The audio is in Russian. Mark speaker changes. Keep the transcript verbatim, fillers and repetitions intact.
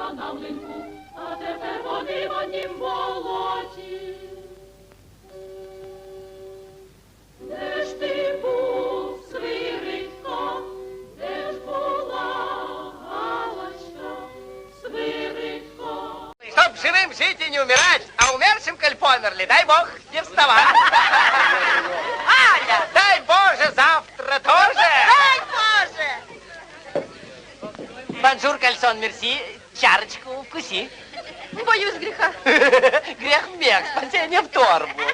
Speaker 1: була на млинку, а тепер вони в однім болоті. Де ж ти був, Свиридко, де ж була Галочка, Свиридко?
Speaker 2: Чтоб живым жить и не умирать, а умершим, коль померли, дай бог, не вставать. Аня, дай Боже, завтра тоже.
Speaker 3: Дай Боже!
Speaker 2: Бонжур, кальсон, мерси, чарочку вкуси.
Speaker 3: Боюсь греха.
Speaker 2: Грех мех, спасение в торбу.